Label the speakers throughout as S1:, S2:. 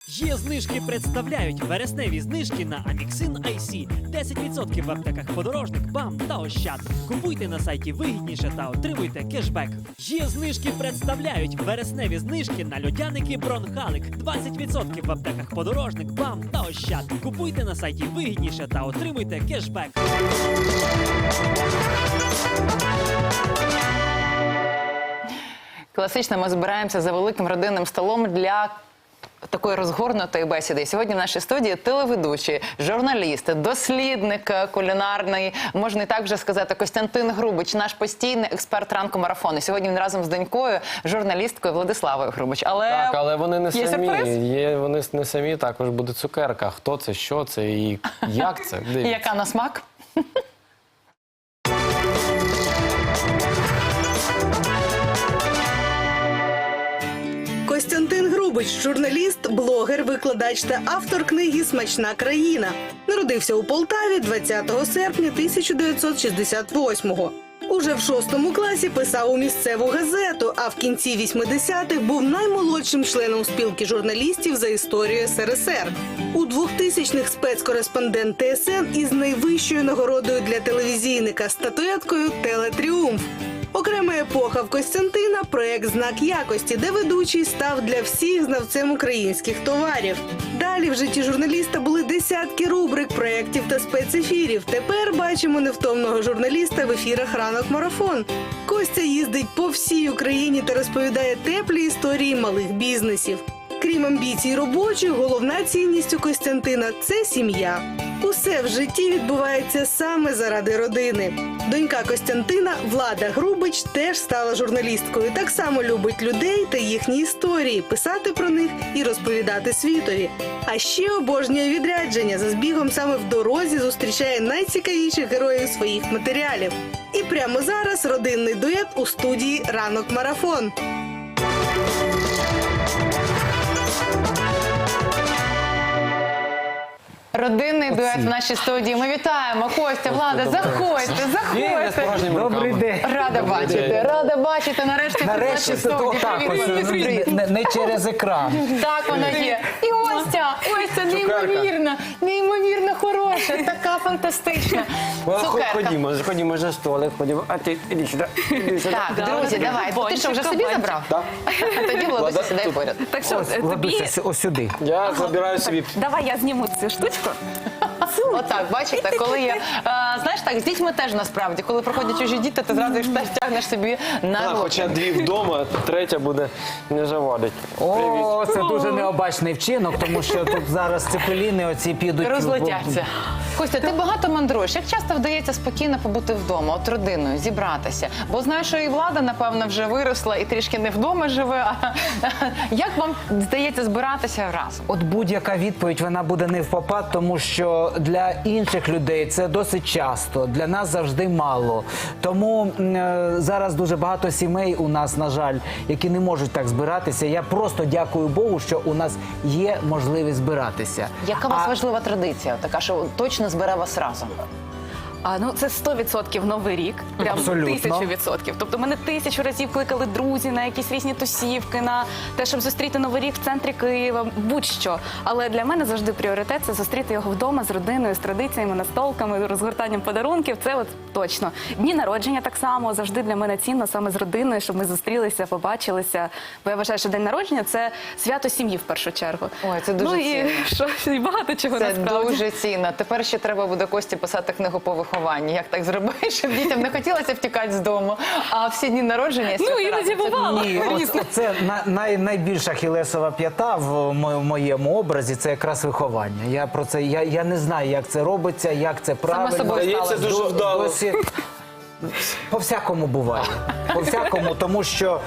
S1: Є знижки представляють вересневі знижки на Аміксин IC. 10% в аптеках Подорожник, БАМ та Ощад. Купуйте на сайті вигідніше та отримуйте кешбек. Є знижки представляють вересневі знижки на льодяники Бронхалик. 20% в аптеках Подорожник, БАМ та Ощад. Купуйте на сайті вигідніше та отримуйте кешбек.
S2: Класично ми збираємося за великим родинним столом для такої розгорнутої бесіди. Сьогодні в нашій студії телеведучий, журналіст, дослідник кулінарний, можна і так вже сказати, Костянтин Грубич, наш постійний експерт ранку марафону. Сьогодні він разом з донькою, журналісткою Владиславою Грубич.
S3: Так, але вони не
S2: є
S3: самі.
S2: сюрприз?
S3: Вони не самі, також буде цукерка. Хто це, що це і як це? Дивіться.
S2: Яка на смак?
S4: Костянтин Грубич – журналіст, блогер, викладач та автор книги «Смачна країна». Народився у Полтаві 20 серпня 1968-го. Уже в 6 класі писав у місцеву газету, а в кінці 80-х був наймолодшим членом спілки журналістів за історію СРСР. У 2000-х спецкореспондент ТСН із найвищою нагородою для телевізійника – статуеткою «Телетріумф». Окрема епоха в Костянтина – проєкт «Знак якості», де ведучий став для всіх знавцем українських товарів. Далі в житті журналіста були десятки рубрик, проєктів та спецефірів. Тепер бачимо невтомного журналіста в ефірах «Ранок марафон». Костя їздить по всій Україні та розповідає теплі історії малих бізнесів. Крім амбіцій робочих, головна цінність у Костянтина – це сім'я. Усе в житті відбувається саме заради родини. Донька Костянтина, Влада Грубич, теж стала журналісткою. Так само любить людей та їхні історії, писати про них і розповідати світові. А ще обожнює відрядження. За збігом саме в дорозі зустрічає найцікавіших героїв своїх матеріалів. І прямо зараз родинний дует у студії «Ранок марафон».
S2: Родинний дует в нашій студії. Ми вітаємо. Костя, Влада, заходьте, заходьте.
S5: Добрий день.
S2: Рада бачити. Нарешті
S5: Нарешті це так, не через екран.
S2: Так воно є. І Остя, неймовірно хороша, така фантастична. Цукерка.
S3: Ходімо за столик, ходімо. А ти іди сюди.
S2: Так, друзі, давай. Ти що, вже собі забрав?
S3: Так.
S2: Тоді, Владуся, сідай поряд.
S6: Так що, тобі...
S5: Владуся, ось сюди.
S3: Я забираю собі.
S6: Давай я зніму цю штучку.
S2: Отак, бачите, коли є, знаєш так, з дітьми теж насправді, коли проходять чужі діти, ти зразу їх теж тягнеш собі на руки.
S3: Хоча дві вдома, третя буде не завадить.
S5: О, це дуже необачний вчинок, тому що тут зараз цепеліни оці підуть.
S2: Розлетяться. Костя, ти багато мандруєш. Як часто вдається спокійно побути вдома, от родиною, зібратися? Бо знаєш, що і Влада, напевно, вже виросла і трішки не вдома живе. Як вам вдається збиратися разом?
S5: От будь-яка відповідь, вона буде не впопад, тому що для інших людей це досить часто, для нас завжди мало. Тому зараз дуже багато сімей у нас, на жаль, які не можуть так збиратися. Я просто дякую Богу, що у нас є можливість збиратися.
S2: Яка у вас важлива традиція, така, що точно збере вас разом?
S6: Ну, це 100% Новий рік. Прям
S5: Абсолютно.
S6: 1000%. Тобто мене 1000 разів кликали друзі на якісь різні тусівки, на те, щоб зустріти Новий рік в центрі Києва, будь-що. Але для мене завжди пріоритет – це зустріти його вдома з родиною, з традиціями, настолками, розгортанням подарунків. Це от точно. Дні народження так само. Завжди для мене цінно саме з родиною, щоб ми зустрілися, побачилися. Бо я вважаю, що день народження – це свято сім'ї в першу чергу.
S2: Ой, це дуже
S6: і що, і багато чого
S2: Це
S6: насправді.
S2: дуже цінно. Тепер ще треба буде Кості писати книгу по вихованню. Як так зробити, щоб дітям не хотілося втікати з дому, а всі дні народження...
S6: Іноді бувало.
S5: Ні, це найбільша ахілесова п'ята в моєму образі, це якраз виховання. Я про це, я не знаю, як це робиться, як це правильно.
S2: собою
S3: Здається, дуже вдало.
S5: По-всякому буває. По-всякому, тому що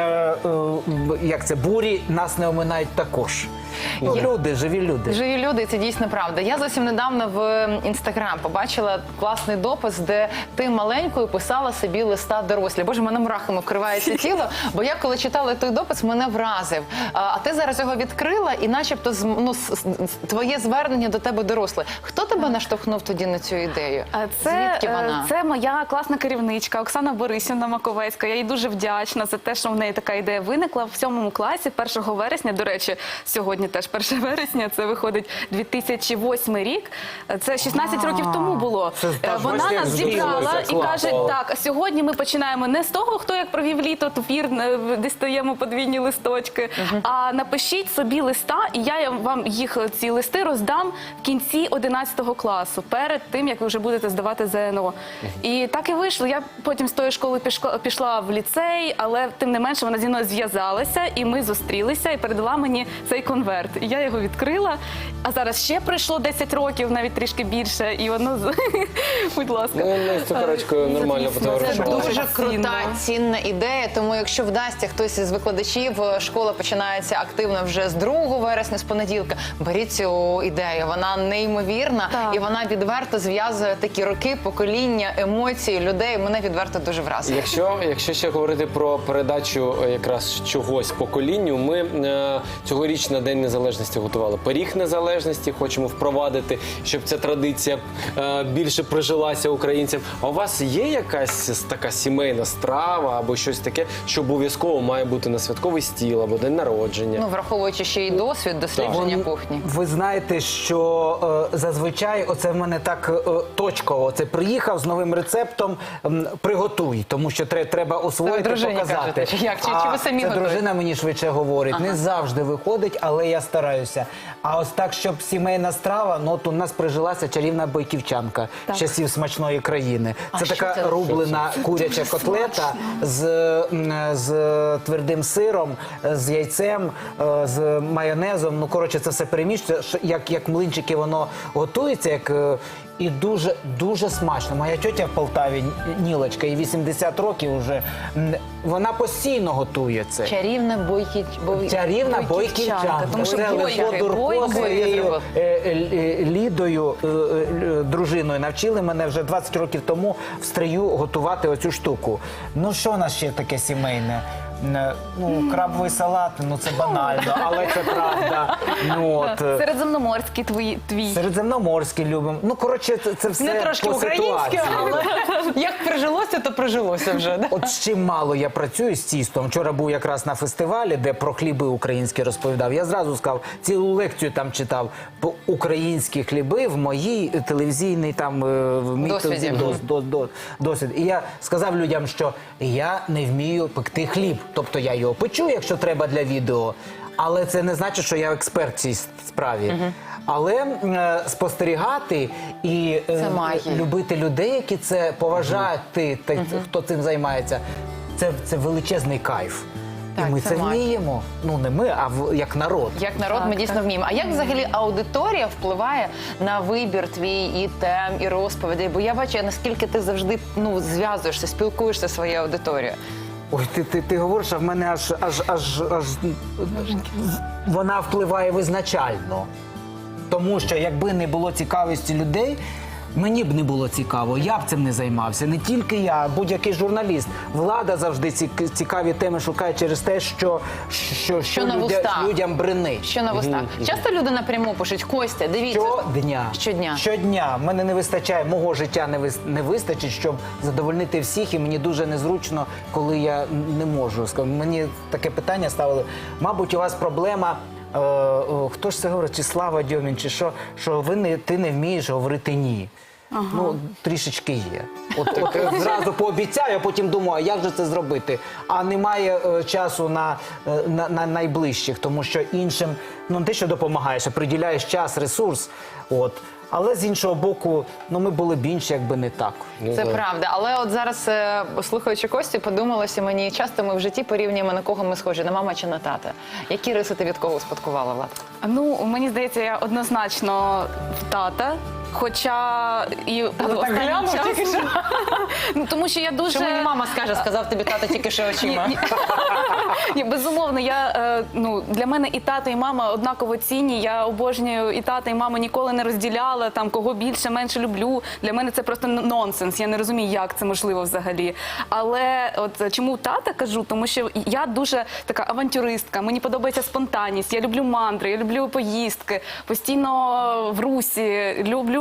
S5: як це, бурі нас не оминають також. Ну, люди, живі люди.
S2: Живі люди, це дійсно правда. Я зовсім недавно в Інстаграм побачила класний допис, де ти маленькою писала собі листа дорослі. Боже, мене мурахами вкривається тіло, бо я коли читала той допис, мене вразив. А ти зараз його відкрила і начебто твоє звернення до тебе доросле. Хто тебе наштовхнув тоді на цю ідею? Звідки вона?
S6: Це моя класна керівничка Оксана Борисівна Маковецька. Я їй дуже вдячна за те, що в неї така ідея виникла. В 7 класі 1 вересня, до речі, сьогодні теж 1 вересня, це виходить 2008 рік. Це 16 років тому було. Вона нас зібрала і каже, так, а сьогодні ми починаємо не з того, хто як провів літо, твір, дістаємо подвійні листочки, а напишіть собі листа, і я вам їх, ці листи, роздам в кінці 11 класу, перед тим, як ви вже будете здавати ЗНО. І так і вийшло. Я потім з тої школи пішла в ліцей, але тим не менше вона зі мною зв'язалася, і ми зустрілися, і передала мені цей конверт. І я його відкрила, а зараз ще пройшло 10 років, навіть трішки більше, і воно, будь ласка.
S3: Ну, ми з цукерочкою нормально
S2: Це
S3: потоваришували.
S2: дуже крута, цінна ідея, тому якщо вдасться хтось із викладачів, школа починається активно вже з 2 вересня, з понеділка, беріть цю ідею, вона неймовірна,
S6: Так.
S2: і вона відверто зв'язує такі роки, покоління, емоції людей, мене відверто дуже вразило.
S3: Якщо ще говорити про передачу якраз чогось поколінню, ми цьогоріч на День Незалежності готували пиріг незалежності, хочемо впровадити, щоб ця традиція більше прижилася українцям. А у вас є якась така сімейна страва або щось таке, що обов'язково має бути на святковий стіл або день народження?
S2: Ну, враховуючи ще й досвід дослідження кухні.
S5: Ви знаєте, що зазвичай оце в мене так точково. Це приїхав з новим рецептом, приготуй, тому що треба освоїти,
S2: дружині
S5: показати.
S2: кажете, чи як? Чи ви самі
S5: це
S2: готуєте?
S5: дружина мені швидше говорить. Не завжди виходить, але я стараюся. А ось так, щоб сімейна страва, ну от у нас прижилася чарівна бойківчанка з часів смачної країни. Це
S2: що
S5: така
S2: це?
S5: рублена куряча котлета з твердим сиром, з яйцем, з майонезом. Ну, коротше, це все перемішується, як млинчики воно готується, і дуже смачно. Моя тьотя в Полтаві, Нілочка, їй 80 років вже, вона постійно готує це.
S2: Чарівна
S5: Чарівна бойківчанка.
S6: тому що
S5: Це
S6: бойки,
S5: Левко Дурко
S2: бойки
S5: своєю
S2: зробив.
S5: Лідою, дружиною, навчили мене вже 20 років тому в Стрию готувати оцю штуку. Ну, що у нас ще таке сімейне? Ну, крабовий салат, ну це банально, але це правда. Ну, от,
S6: Середземноморський твій.
S5: середземноморський любимо. Ну, коротше, це все
S2: Не трошки
S5: по
S2: українське,
S5: ситуації.
S2: але як прижилося, то прижилося вже. Да?
S5: От з чим мало я працюю з тістом. Вчора був якраз на фестивалі, де про хліби українські розповідав. Я зразу сказав, цілу лекцію там читав по українські хліби в моїй телевізійній там в мій
S2: Досвіді.
S5: досвід. І я сказав людям, що я не вмію пекти хліб. Тобто я його печу, якщо треба для відео, але це не значить, що я експерт в цій справі. Але спостерігати і
S2: магія.
S5: любити людей, які це поважають, хто цим займається, це величезний кайф.
S2: Так,
S5: і ми
S2: це
S5: це
S2: магія.
S5: вміємо. Ну, не ми, а як народ.
S2: Як народ ми дійсно вміємо. А як взагалі аудиторія впливає на вибір твій і тем, і розповідей? Бо я бачу, наскільки ти завжди зв'язуєшся, спілкуєшся зі своєю аудиторією.
S5: Ой, ти говориш, а в мене аж вона впливає визначально. Тому що якби не було цікавості людей, мені б не було цікаво, я б цим не займався. Не тільки я, будь-який журналіст. Влада завжди цікаві теми шукає через те, що
S2: на вустах.
S5: людям бренить.
S2: Що на вустах? Часто люди напряму пишуть: Костя, дивіться.
S5: Щодня.
S2: Щодня.
S5: Мене не вистачає, мого життя не вистачить, щоб задовольнити всіх, і мені дуже незручно, коли я не можу. Мені таке питання ставили. Мабуть, у вас проблема, хто ж це говорить, чи Слава Дьомін, чи що ти не вмієш говорити «ні». Ну, трішечки є. От зразу пообіцяю, а потім думаю, а як же це зробити? А немає часу на найближчих, тому що іншим, ну, не те, що допомагаєш, а приділяєш час, ресурс. От. Але з іншого боку, ну, ми були б інші, якби не так.
S2: Це правда. Але от зараз, слухаючи Костю, подумалося мені, часто ми в житті порівнюємо, на кого ми схожі, на мама чи на тата. Які риси ти від кого успадкувала, Влад?
S6: Ну, мені здається, я однозначно в тата. Хоча і останнім часом... Ну, тому що я дуже...
S2: Що мені мама скаже, сказав тобі тато тільки що очима.
S6: Ні, безумовно, для мене і тато, і мама однаково цінні. Я обожнюю і тата, і маму, ніколи не розділяла, там, кого більше, менше люблю. Для мене це просто нонсенс. Я не розумію, як це можливо взагалі. Але от чому тата кажу? Тому що я дуже така авантюристка, мені подобається спонтанність, я люблю мандри, я люблю поїздки, постійно в русі, люблю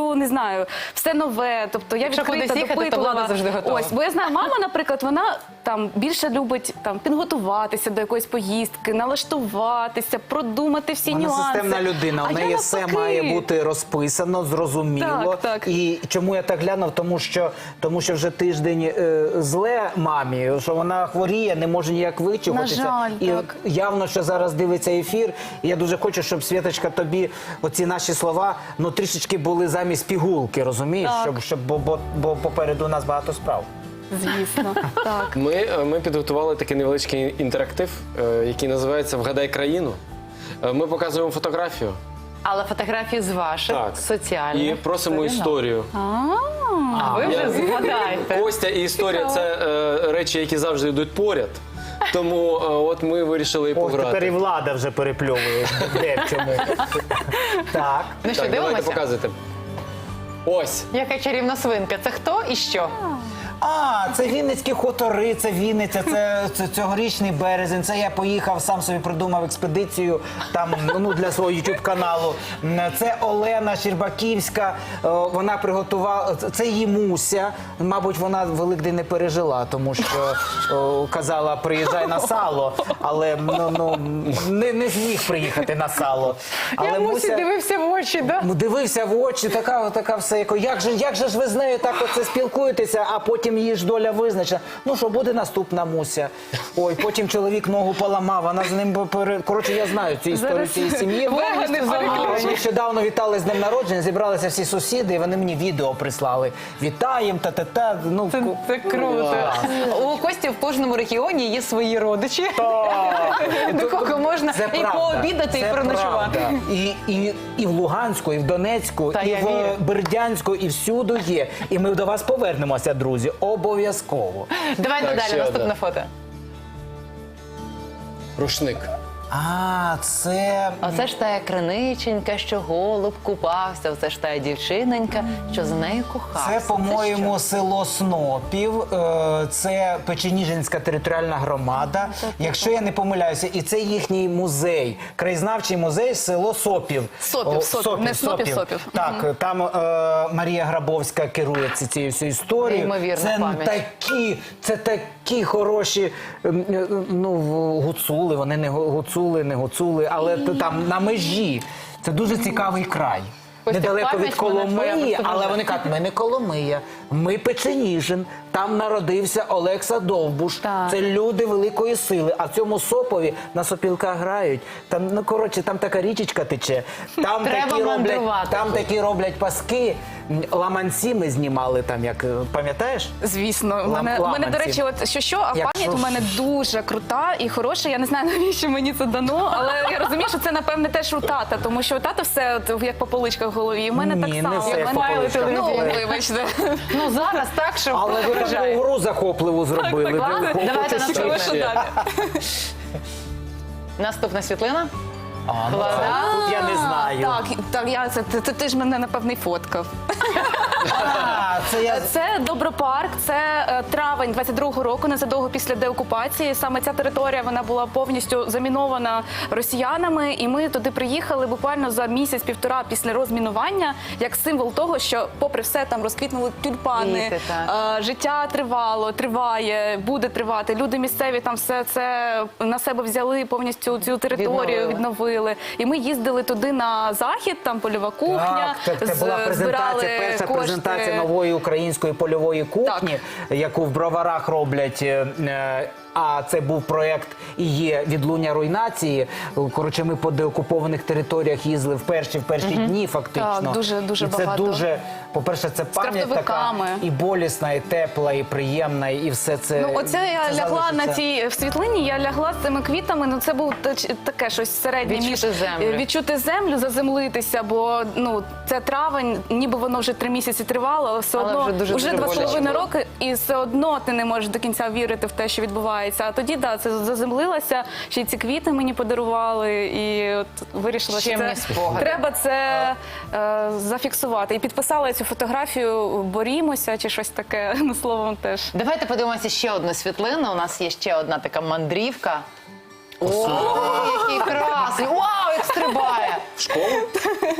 S6: люблю, не знаю, все нове. Тобто я
S2: Якщо
S6: відкрита,
S2: кудись їхати, то
S6: допитлива.
S2: Влада завжди готова.
S6: Ось, бо я знаю, мама, наприклад, вона там більше любить там підготуватися до якоїсь поїздки, налаштуватися, продумати всі
S5: Вона
S6: нюанси.
S5: системна людина,
S6: А
S5: у
S6: я
S5: неї все
S6: навпаки.
S5: має бути розписано, зрозуміло.
S6: Так, так.
S5: І чому я так глянув? Тому що вже тиждень зле мамі, що вона хворіє, не може ніяк вичухатися.
S6: На жаль,
S5: і
S6: так.
S5: явно, що зараз дивиться ефір. І я дуже хочу, щоб, Світочка, тобі оці наші слова, ну, трішечки були замість пігулки, розумієш?
S6: Так.
S5: Бо попереду у нас багато справ.
S6: Звісно, так.
S3: Ми підготували такий невеличкий інтерактив, який називається «Вгадай країну». Ми показуємо фотографію.
S2: Але фотографії з ваших
S3: Так.
S2: соціальних
S3: І просимо
S2: сторінок.
S3: історію.
S2: А ви вже згадаєте.
S3: Костя і історія – це речі, які завжди йдуть поряд. Тому от ми вирішили і
S5: Ох, тепер і
S3: пограти.
S5: Влада вже перепльовує. Де в чому? Так.
S2: Ну що,
S3: Так, давайте
S2: дивимося?
S3: показуйте. Ось.
S2: Яка чарівна свинка? Це хто і що?
S5: А, це Вінницькі хутори, це Вінниця, це цьогорічний березень. Це я поїхав, сам собі придумав експедицію там, ну, для свого YouTube-каналу. Це Олена Щербаківська, вона приготувала, це її Муся. Мабуть, вона Великдень не пережила, тому що казала, приїжджай на сало, але не зміг приїхати на сало. Але Муся
S2: дивився в очі, да?
S5: дивився в очі, така все, як же ж ви з нею так оце спілкуєтеся, а потім її ж доля визначена. Ну що, буде наступна Муся. Ой, потім чоловік ногу поламав, вона з ним коротше, я знаю цю історію цієї сім'ї. Нещодавно вітали з днем народження, зібралися всі сусіди, і вони мені відео прислали. Вітаєм, та-та-та. Ну,
S2: Це круто. У Кості в кожному регіоні є свої родичі, до кого можна
S5: Це
S2: і
S5: правда,
S2: пообідати, і
S5: це
S2: переночувати.
S5: правда. І в Луганську, і в Донецьку,
S2: Та
S5: і
S2: я
S5: в
S2: вірю.
S5: Бердянську, і всюди є. І ми до вас повернемося, друзі. Обов'язково.
S2: Давайте
S3: Так,
S2: далі,
S3: ще
S2: наступне
S3: одне.
S2: фото.
S3: Рушник.
S5: А, це...
S2: Оце ж та криниченька, що голуб купався, оце ж та дівчиненька, що з нею кохався.
S5: Це, по-моєму, село Снопів, це Печеніжинська територіальна громада, якщо я не помиляюся, і це їхній музей, краєзнавчий музей село Сопів.
S6: Сопів, не Снопів.
S5: Так, там Марія Грабовська керує цією всією історією.
S2: Неймовірна пам'ять.
S5: Це такі хороші, ну, гуцули, вони не гуцули, але там на межі. Це дуже цікавий край.
S2: Костя,
S5: Недалеко від
S2: пам'ять в мене твоя
S5: Коломиї,
S2: просто
S5: але
S2: дуже.
S5: вони кажуть, ми не Коломия, ми Печеніжин, там народився Олекса Довбуш.
S6: Так.
S5: Це люди великої сили. А в цьому Сопові на сопілках грають. Там, ну, коротше, там така річечка тече. Там
S2: Треба мандрувати.
S5: такі роблять паски. Ламанці ми знімали там, як, пам'ятаєш?
S6: Звісно, у мене,
S5: Ламанці.
S6: до речі, от що, а
S5: Якщо
S6: пам'ять у мене дуже крута і хороша. Я не знаю, навіщо мені це дано, але я розумію, що це, напевне, теж у тата, тому що у тата все от, як по поличках в голові. І в мене
S5: Ні,
S6: так
S5: не
S6: само.
S5: все
S6: У
S5: як
S6: мене-
S5: по поличках.
S6: Ну, вибачте.
S2: Ну зараз так, що
S5: Але ви таку
S2: вражає.
S5: гру захопливу зробили.
S6: Так, ладно.
S5: Ви
S2: Давайте
S5: хочете
S2: наступне.
S5: ще?
S6: Що далі?
S2: Наступна світлина.
S5: А, ну,
S2: Влада?
S5: тут я не знаю.
S6: Так, ти ж мене, напевне, фоткав.
S5: А, це я...
S6: Це Добропарк, це травень 22-го року, незадовго після деокупації. Саме ця територія вона була повністю замінована росіянами, і ми туди приїхали буквально за місяць-півтора після розмінування, як символ того, що, попри все, там розквітнули тюльпани,
S2: Квіти, так.
S6: життя тривало, триває, буде тривати. Люди місцеві там все це на себе взяли, повністю цю територію відновили. І ми їздили туди на захід, там польова кухня,
S5: Так, це була презентація,
S6: збирали
S5: перша
S6: кошти.
S5: презентація нової української польової кухні, яку в Броварах роблять. А це був проєкт і є «Відлуння руйнації». Коротше, ми по деокупованих територіях їздили в перші дні фактично.
S6: Так, дуже
S5: і це
S6: багато.
S5: дуже, по-перше, це пам'ять така
S6: крафтовиками.
S5: і болісна, і тепла, і приємна, і все це.
S6: Ну, оце я
S5: це
S6: лягла
S5: залишиться.
S6: на цій в світлині, я лягла з цими квітами, ну це був таке щось середнє
S2: Відчути
S6: між
S2: землю.
S6: відчути землю, заземлитися, бо ну це травень, ніби воно вже 3 місяці тривало, але все
S2: Але
S6: одно
S2: вже дуже-дуже
S6: 2,5
S2: боляче.
S6: роки, і все одно ти не можеш до кінця вірити в те, що відбувається. А тоді це заземлилася, ще й ці квіти мені подарували, і от вирішила, що
S2: Чимні
S6: це
S2: спогади.
S6: треба це зафіксувати. І підписала я цю фотографію «Борімося» чи щось таке, ну словом теж.
S2: Давайте подивимося ще одну світлину. У нас є ще одна така мандрівка. О, який красний! Вау, як стрибає!
S3: В школу?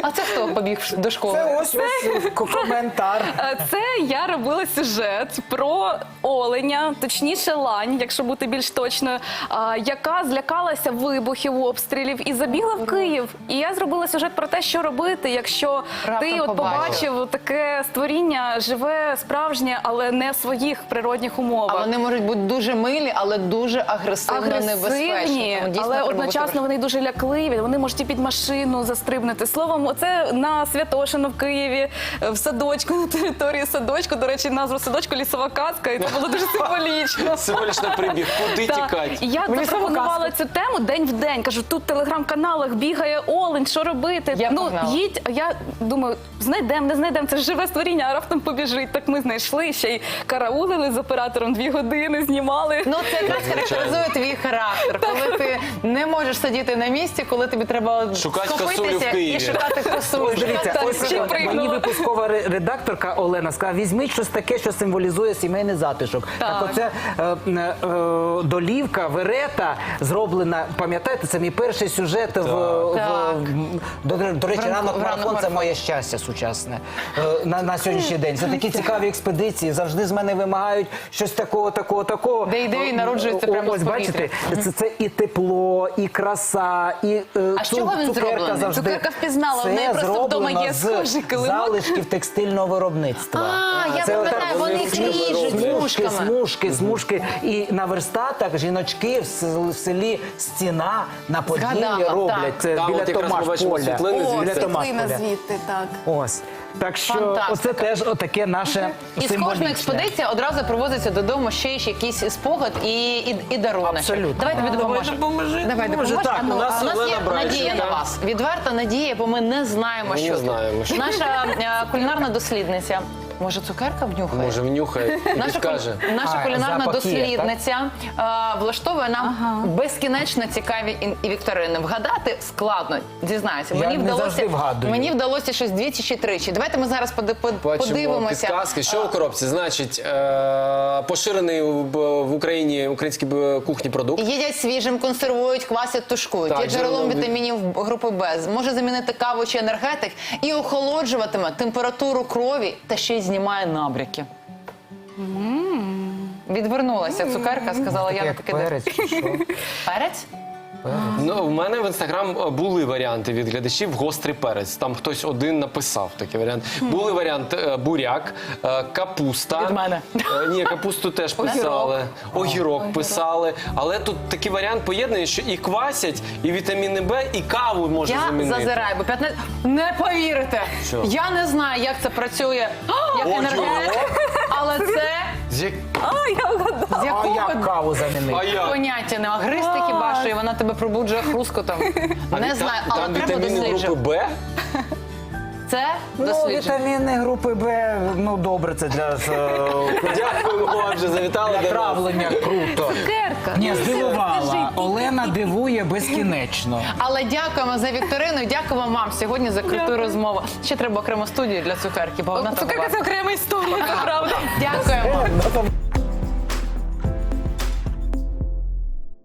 S2: А це хто побіг до школи?
S5: Це ось коментар.
S6: Це я робила сюжет про оленя, точніше лань, якщо бути більш точною, яка злякалася вибухів, обстрілів і забігла в Київ. І я зробила сюжет про те, що робити, якщо
S2: Раптом
S6: ти от побачив таке створіння живе, справжнє, але не в своїх природних умовах.
S2: А вони можуть бути дуже милі, але дуже агресивно небезпечні.
S6: Агресивні,
S2: Тому дійсно
S6: але
S2: треба
S6: одночасно
S2: бути
S6: вони дуже лякливі, вони можуть і під машину застрибнути. Словом, оце на Святошино в Києві, в садочку, на території садочку. До речі, назву садочку «Лісова казка», і це було дуже символічно.
S3: Символічно прибіг. Куди
S6: Так.
S3: тікати?
S6: І я запропонувала цю тему день в день. Кажу, тут в телеграм-каналах бігає олень, що робити?
S2: Я погнала.
S6: Їдь. А я думаю, знайдемо, не знайдемо, це ж живе створіння, а раптом побіжить. Так ми знайшли, ще й караулили з оператором 2 години, знімали.
S2: Ну, це якраз характеризує твій характер, коли ти не можеш сидіти на місці, коли тобі треба
S3: Шукати косулю в
S2: схопитися
S3: Києві.
S2: і шукати косулю.
S5: Ось дивіться,
S6: Так,
S5: ось
S6: ще
S5: мені
S6: пригнула.
S5: випускова редакторка Олена сказала, візьміть щось таке, що символізує сімейний затишок. Так оце долівка, верета зроблена, пам'ятаєте, це мій перший сюжет до речі, ранок марафон це моє щастя сучасне на сьогоднішній день. Це такі цікаві експедиції, завжди з мене вимагають щось такого.
S2: Де ідеї народжуються прямо
S5: Ось
S2: з повітря.
S5: бачите, це і тепло, і краса, і
S2: А з чого він
S5: цукерка
S2: зроблений?
S5: завжди.
S6: Цукерка впізнала, в неї
S5: Це
S6: просто вдома
S5: зроблено
S6: є
S5: з
S6: схожий килимок.
S5: залишків текстильного виробництва.
S2: А, я
S5: Це
S2: пам'ятаю,
S5: отак,
S2: вони їх ріжуть смужками.
S5: І на верстатах жіночки в селі Стіна на Поділлі
S2: Згадала,
S5: роблять.
S2: так.
S5: Це
S3: Там
S5: біля
S3: от якраз ми
S5: Томаш
S3: бачимо
S5: поля.
S3: світлини звідси.
S5: Біля Томаш
S6: Світлина
S5: поля.
S6: звідти, так.
S5: Ось. Так що
S2: Фантастика.
S5: оце теж отаке наше
S2: І з
S5: символічне.
S2: кожної експедиції одразу привозиться додому ще якийсь спогад і дарунок.
S5: Абсолютно.
S2: Давай тобі допоможемо. Давай
S5: Може,
S2: допоможемо.
S5: так,
S2: А ну,
S3: у нас
S2: а у нас
S3: Олена
S2: є
S3: Брайченко.
S2: надія на вас. Відверта надія, бо ми не знаємо,
S3: Ми не
S2: що
S3: знаємо,
S2: тут.
S3: що.
S2: Наша кулінарна дослідниця. Може, цукерка внюхає?
S3: Може, внюхає і
S2: Наша
S3: підкаже.
S2: наша кулінарна
S5: запах є,
S2: дослідниця влаштовує нам безкінечно цікаві і вікторини. Вгадати складно, дізнаюся.
S5: Я не завжди вгадую.
S2: Мені вдалося щось двічі чи тричі. Давайте ми зараз
S3: Бачимо
S2: подивимося.
S3: підказки. Що у коробці? Значить, поширений в Україні українській кухні продукт.
S2: Їдять свіжим, консервують, квасять, тушкують.
S3: Так,
S2: Є джерелом
S3: джерелом
S2: вітамінів групи Б. Може замінити каву чи енергетик і охолоджуватиме температуру крові та ще й знімає набряки. Відвернулася цукерка, сказала, я
S5: Як
S2: таки
S5: перець, чи що?
S2: Перець?
S3: Ну, в мене в інстаграм були варіанти від глядачів гострий перець. Там хтось один написав такий варіант. Були варіанти буряк, капуста.
S2: Від мене.
S3: Ні, капусту теж писали. Огірок писали. Але тут такий варіант поєднаний, що і квасять, і вітаміни Б, і каву можна
S2: Я
S3: замінити.
S2: зазираю, бо 15... Не повірите!
S3: Що?
S2: Я не знаю, як це працює, як
S3: Ого!
S2: енергетик, але це з
S5: А
S2: якого
S5: як каву замінити?
S3: А як?
S2: поняття не агристи хіба що, і вона тебе пробуджує хрускотом. Не знаю, але
S3: там
S2: треба
S3: вітаміни групи
S2: досліджувати.
S3: Б?
S2: Це
S5: Ну,
S2: дослідження.
S5: вітаміни групи Б, ну добре, це для
S3: Дякую вам, що завітали до нас.
S5: травлення круто.
S6: Цукерка.
S5: Ні,
S6: Скажи,
S5: здивувала. Олена дивує безкінечно.
S2: Але дякуємо за вікторину і дякуємо вам сьогодні за круту розмову. Ще треба окрему студію для цукерки, бо вона там
S6: Цукерка
S2: варта.
S6: це окрема історія, це правда.
S2: Дякуємо.